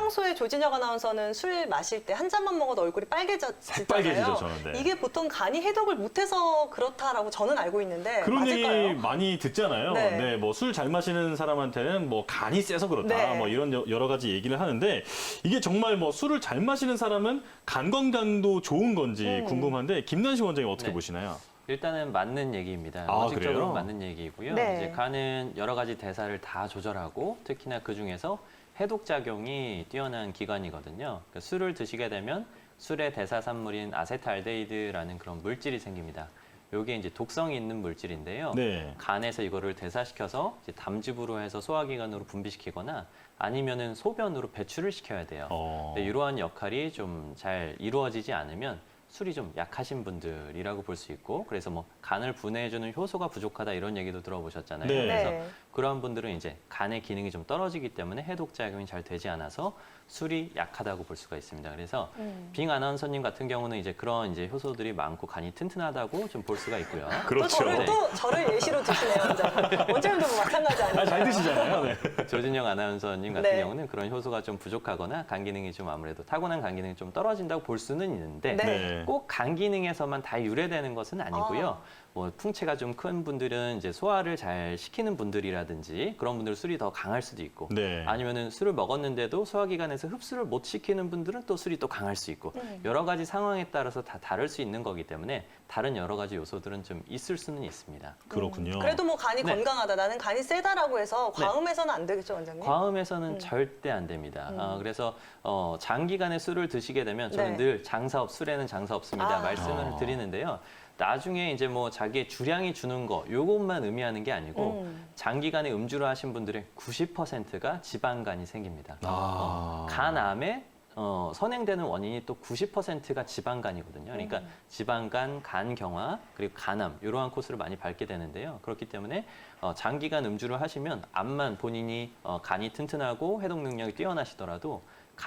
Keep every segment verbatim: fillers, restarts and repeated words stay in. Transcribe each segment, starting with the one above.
평소에 조진혁 아나운서는 술 마실 때 한 잔만 먹어도 얼굴이 빨개졌잖아요. 빨개지죠, 저는. 네. 이게 보통 간이 해독을 못해서 그렇다라고 저는 알고 있는데 그런 맞을까요? 얘기 많이 듣잖아요. 네. 네, 뭐 술 잘 마시는 사람한테는 뭐 간이 세서 그렇다. 네. 뭐 이런 여- 여러 가지 얘기를 하는데 이게 정말 뭐 술을 잘 마시는 사람은 간 건강도 좋은 건지 음. 궁금한데 김난식 원장님 어떻게 네. 보시나요? 일단은 맞는 얘기입니다. 아, 원칙적으로 그래요? 맞는 얘기이고요. 네. 이제 간은 여러 가지 대사를 다 조절하고 특히나 그 중에서 해독 작용이 뛰어난 기관이거든요. 그러니까 술을 드시게 되면 술의 대사 산물인 아세트알데히드라는 그런 물질이 생깁니다. 이게 이제 독성이 있는 물질인데요. 네. 간에서 이거를 대사시켜서 이제 담즙으로 해서 소화기관으로 분비시키거나 아니면은 소변으로 배출을 시켜야 돼요. 어. 근데 이러한 역할이 좀 잘 이루어지지 않으면 술이 좀 약하신 분들이라고 볼 수 있고, 그래서 뭐 간을 분해해주는 효소가 부족하다 이런 얘기도 들어보셨잖아요. 네. 그래서 네. 그런 분들은 이제 간의 기능이 좀 떨어지기 때문에 해독 작용이 잘 되지 않아서 술이 약하다고 볼 수가 있습니다. 그래서 음. 빙 아나운서님 같은 경우는 이제 그런 이제 효소들이 많고 간이 튼튼하다고 좀 볼 수가 있고요. 또 그렇죠. 저를 네. 또 저를 예시로 드시네요, 원장님. 원장님도 뭐 마찬가지 아니에요? 아, 잘 드시잖아요. 네. 조진영 아나운서님 같은 네. 경우는 그런 효소가 좀 부족하거나 간 기능이 좀 아무래도 타고난 간 기능이 좀 떨어진다고 볼 수는 있는데 네. 네. 꼭 간 기능에서만 다 유래되는 것은 아니고요. 아. 뭐 풍체가 좀 큰 분들은 이제 소화를 잘 시키는 분들이라든지 그런 분들 술이 더 강할 수도 있고 네. 아니면은 술을 먹었는데도 소화기관에서 흡수를 못 시키는 분들은 또 술이 또 강할 수 있고 음. 여러 가지 상황에 따라서 다 다를 수 있는 거기 때문에 다른 여러 가지 요소들은 좀 있을 수는 있습니다. 그렇군요. 그래도 뭐 간이 네. 건강하다, 나는 간이 세다라고 해서 네. 과음해서는 안 되겠죠, 원장님? 과음해서는 음. 절대 안 됩니다. 음. 어, 그래서 어, 장기간에 술을 드시게 되면 저는 네. 늘 장사 없, 술에는 장사 없습니다 아. 말씀을 아. 드리는데요. 나중에 이제 뭐 자기의 주량이 주는 거 요것만 의미하는 게 아니고 음. 장기간에 음주를 하신 분들의 구십 퍼센트가 지방간이 생깁니다. 아. 간암에 어, 선행되는 원인이 또 구십 퍼센트가 지방간이거든요. 그러니까 음. 지방간, 간경화, 그리고 간암 이러한 코스를 많이 밟게 되는데요. 그렇기 때문에 어, 장기간 음주를 하시면 암만 본인이 어, 간이 튼튼하고 해독 능력이 뛰어나시더라도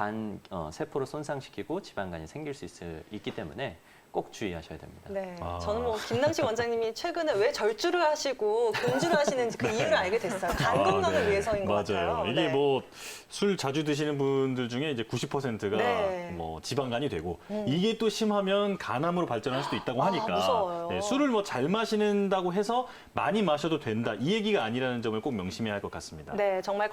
간 어, 세포를 손상시키고 지방간이 생길 수 있, 있기 때문에 꼭 주의하셔야 됩니다. 네, 아. 저는 뭐 김남식 원장님이 최근에 왜 절주를 하시고 금주를 하시는지 그 이유를 알게 됐어요. 간 아, 건강을 네. 위해서인 것 맞아요. 같아요. 이게 네. 뭐 술 자주 드시는 분들 중에 이제 구십 퍼센트가 네. 뭐 지방간이 되고 음. 이게 또 심하면 간암으로 발전할 수도 있다고 하니까 아, 무서워요. 네, 술을 뭐 잘 마시는다고 해서 많이 마셔도 된다 이 얘기가 아니라는 점을 꼭 명심해야 할 것 같습니다. 네, 정말